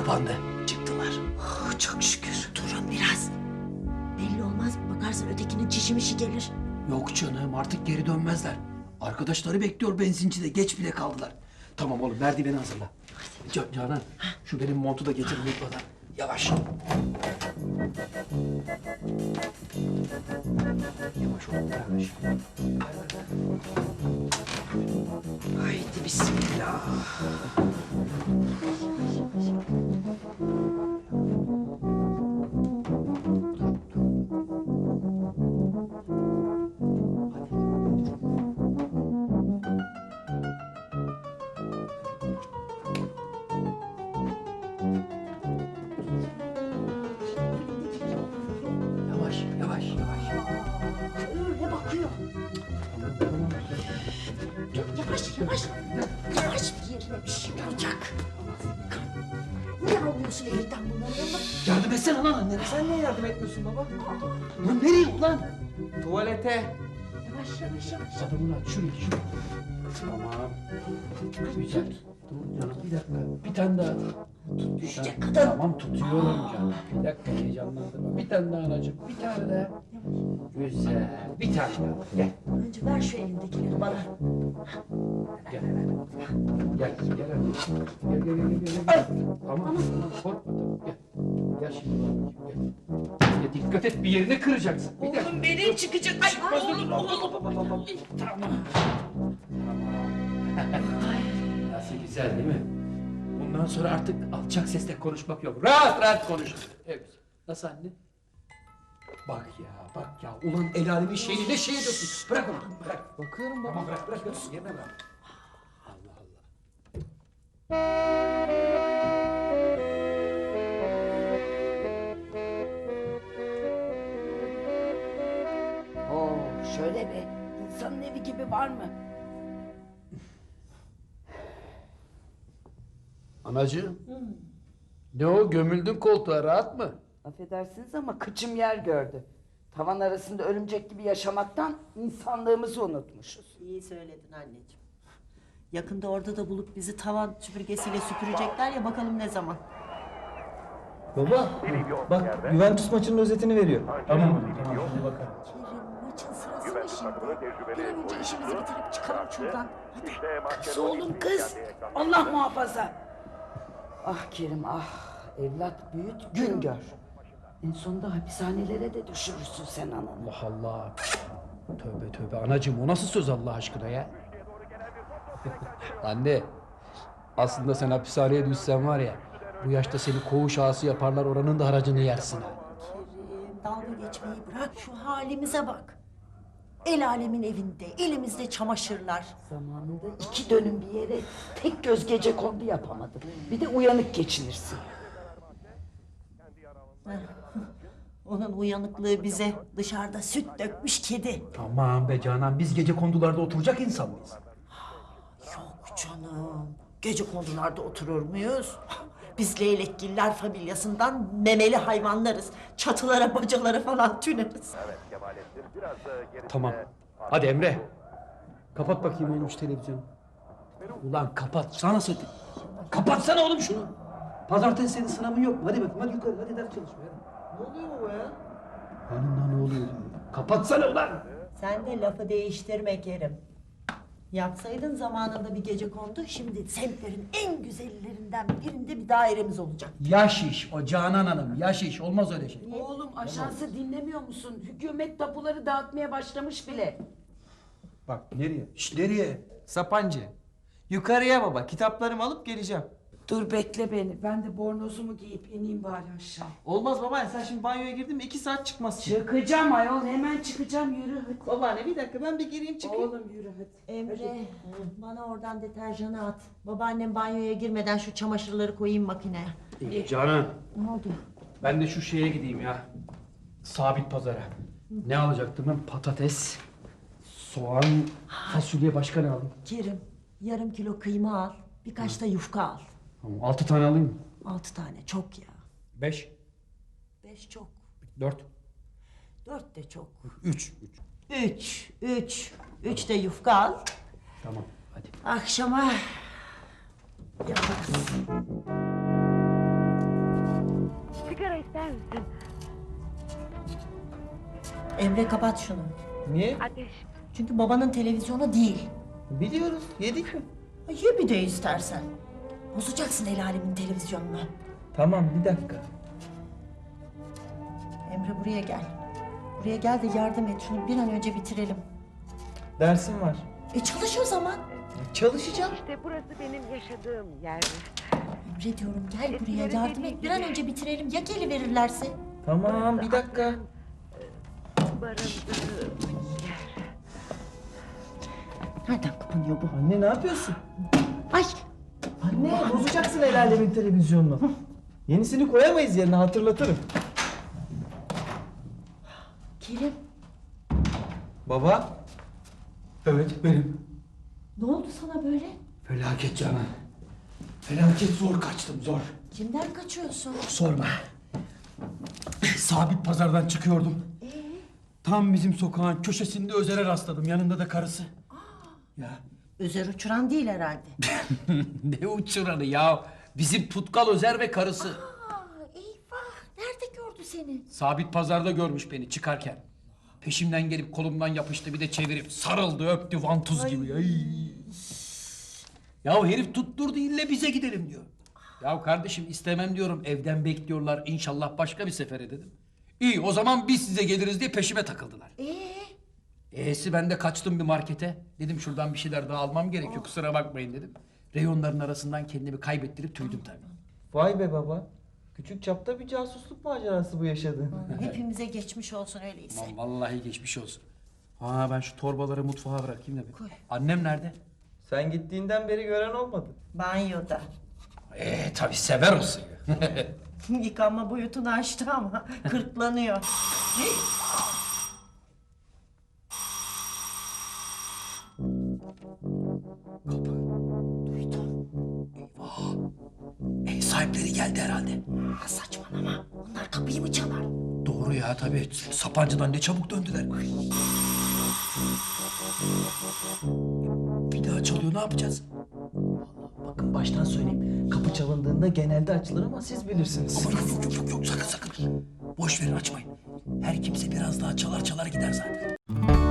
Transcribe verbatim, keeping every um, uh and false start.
kapandı. Çıktılar. Oh, çok şükür. Durun biraz. Belli olmaz. Bakarsın ötekinin çişimişi gelir. Yok canım artık geri dönmezler. Arkadaşları bekliyor benzincide. Geç bile kaldılar. Tamam oğlum merdiveni hazırla. Can, Canan şu benim montu da getir unutmadan. Yavaş. Yavaş oğlum yavaş. Haydi bismillah. Yavaş yavaş yavaş. Öyle bakıyor. Yavaş yavaş. Yavaş bir yerine bir şey olacak. Ne alıyorsun elinden bunları ama? Yardım etsene lan annene. Sen niye yardım etmiyorsun baba? Lan nereye ulan? Tuvalete. Yavaş yavaş yavaş. Adamını aç şuraya şuraya. Tamam. Güzel. Dur canım bir dakika. Bir tane daha. Tut, Düşecek bir tane. kadın. Tamam tutuyorum canım. Bir dakika heyecanlandırma. Bir tane daha anacığım. Bir tane daha. Güzel. Bir tane daha. Gel. Önce ver şu elindekileri bana. Gel. Gel. Gel. Gel. Gel. Gel. Gel. Gel. Gel. Tamam. Tamam. Korkma. Tamam. Gel. Gel şimdi. Gel. Ya dikkat et bir yerini kıracaksın. Bir dakika. Oğlum benim çıkacak. Ay, ay, oğlum, oğlum. Tamam. Nasıl güzel değil mi? Bundan sonra artık alçak sesle konuşmak yok. Rahat rahat konuş. Evet. Nasıl anne? Bak ya, bak ya. Ulan el alemin şeyini ne şey ediyorsun? Bırak onu, bırak. Bakıyorum baba. Tamam bırak, bırak. bırak. Yerine bırak. Allah Allah. Oo, şöyle bir insanın evi gibi var mı? Anacığım. Ne o, gömüldün koltuğa, rahat mı? Affedersiniz ama kıçım yer gördü. Tavan arasında örümcek gibi yaşamaktan insanlığımızı unutmuşuz. İyi söyledin anneciğim. Yakında orada da bulup bizi tavan süpürgesiyle süpürecekler ya, bakalım ne zaman. Baba bak Juventus maçının özetini veriyor. Tamam mı? Tamam, hadi bakalım. Kerim, maçın sırası mı şimdi? Bir an önce işimizi bitirip çıkalım şuradan. Hadi. Kız oğlum kız. Allah muhafaza. Ah Kerim ah. Evlat büyüt gün gör. En sonunda hapishanelere de düşürürsün sen ananı. Allah Allah. Tövbe tövbe anacığım, o nasıl söz Allah aşkına ya? Anne, aslında sen hapishaneye düşsen var ya, bu yaşta seni koğuş ağası yaparlar, oranın da haracını yersin ha. Kerim, dalga geçmeyi bırak, şu halimize bak. El alemin evinde, elimizde çamaşırlar. Zamanında iki dönüm bir yere tek göz gece kondu yapamadım. Bir de uyanık geçinirsin. Onun uyanıklığı bize dışarıda süt dökmüş kedi. Aman be Canan, biz gece kondularda oturacak insan mıyız? Yok canım, gece kondularda oturur muyuz? Biz leylekgiller familyasından memeli hayvanlarız. Çatılara, bacalara falan tüneriz. Tamam. Hadi Emre. Kapat bakayım oğlum şu televizyonu. Ulan kapat. Sana söyledim. Kapatsana oğlum şunu. Pazartesi senin sınavın yok mu? Hadi bakayım, hadi yukarı, hadi ders çalışma. Hadi. Ne oluyor baba ya? Hanım lan ne oluyor diyor. Kapatsana ulan. Sen de lafı değiştirme Kerim. Yapsaydın zamanında bir gece kondu, şimdi semtlerin en güzellerinden birinde bir dairemiz olacak. Yaş iş o Canan Hanım. Yaş iş. Olmaz öyle şey. Oğlum aşağısı dinlemiyor musun? Hükümet tapuları dağıtmaya başlamış bile. Bak nereye? Şş, nereye? Sapancı. Yukarıya baba, kitaplarımı alıp geleceğim. Dur bekle beni. Ben de bornozumu giyip ineyim bari aşağı. Olmaz baba, sen şimdi banyoya girdin mi iki saat çıkmazsın. Çıkacağım ayol. Hemen çıkacağım. Yürü hadi. Babaanne bir dakika, ben bir gireyim çıkayım. Oğlum yürü hadi. Emre, bana oradan deterjanı at. Babaannem banyoya girmeden şu çamaşırları koyayım makineye. İyi Canan. Ne oldu? Ben de şu şeye gideyim ya. Sabit pazara. Ne alacaktım ben? Patates, soğan, fasulye, başka ne alayım? Kerim, yarım kilo kıyma al, birkaç da yufka al. Tamam, altı tane alayım mı? Altı tane çok ya. Beş, Beş çok. dört, Dört de çok. üç. Üç. Üç, üç. Üç de yufka al. Tamam, hadi. Akşama yaparız. sigara ister misin? Emre kapat şunu. Niye? Ateş. Çünkü babanın televizyonu değil. Biliyoruz. Yedik mi? Ye bir de istersen. Bozacaksın el alemin televizyonunu. Tamam bir dakika. Emre buraya gel. Buraya gel de yardım et. Şunu bir an önce bitirelim. Dersim var. E çalış o zaman. Çalışacağım. İşte burası benim yaşadığım yer. Emre diyorum gel buraya Eskilere yardım dediğin et. Bir an gibi. önce bitirelim. Ya geliverirlerse? Tamam bir dakika. Barındığım yer. Nereden kapanıyor bu? Anne ne yapıyorsun? Ay Anne bozacaksın el alemin televizyonunu. Yenisini koyamayız yerine, hatırlatırım. Kerim Baba. Evet benim. ne oldu sana böyle? Felaket Canan. Felaket zor kaçtım zor. Kimden kaçıyorsun? Sorma. Sabit pazardan çıkıyordum. Ee? Tam bizim sokağın köşesinde Özer'e rastladım. Yanında da karısı. Ya Özer uçuran değil herhalde. ne uçuranı ya. Bizim Tutkal Özer ve karısı. Aa, eyvah. Nerede gördü seni? Sabit pazarda görmüş beni çıkarken. Peşimden gelip kolumdan yapıştı, bir de çevirip sarıldı, öptü vantuz gibi. Ay. Ya herif tutturdu, ille bize gidelim diyor. Ya kardeşim istemem diyorum, evden bekliyorlar, inşallah başka bir sefere dedim. İyi o zaman biz size geliriz diye peşime takıldılar. Ee? E'si ben de kaçtım bir markete. Dedim şuradan bir şeyler daha almam gerekiyor, kusura bakmayın dedim. Reyonların arasından kendimi kaybettirip tüydüm tabii. Vay be baba. Küçük çapta bir casusluk macerası bu yaşadığın. Hepimize geçmiş olsun öyleyse. Aman vallahi geçmiş olsun. Ha ben şu torbaları mutfağa bırakayım da bir. Koy. Annem nerede? Sen gittiğinden beri gören olmadı. Banyoda. Ee tabii sever o suyu. Yıkanma boyutunu aştı ama kırklanıyor. Duydum. Eyvah. Ev sahipleri geldi herhalde. Ha, saçmalama. Onlar kapıyı mı çalar? Doğru ya tabii. Sapancı'dan ne çabuk döndüler. Bir daha çalıyor, ne yapacağız? Bakın baştan söyleyeyim. Kapı çalındığında genelde açılır ama siz bilirsiniz. Aman yok yok yok yok sakın sakın. Boş verin açmayın. Her kimse biraz daha çalar çalar gider zaten.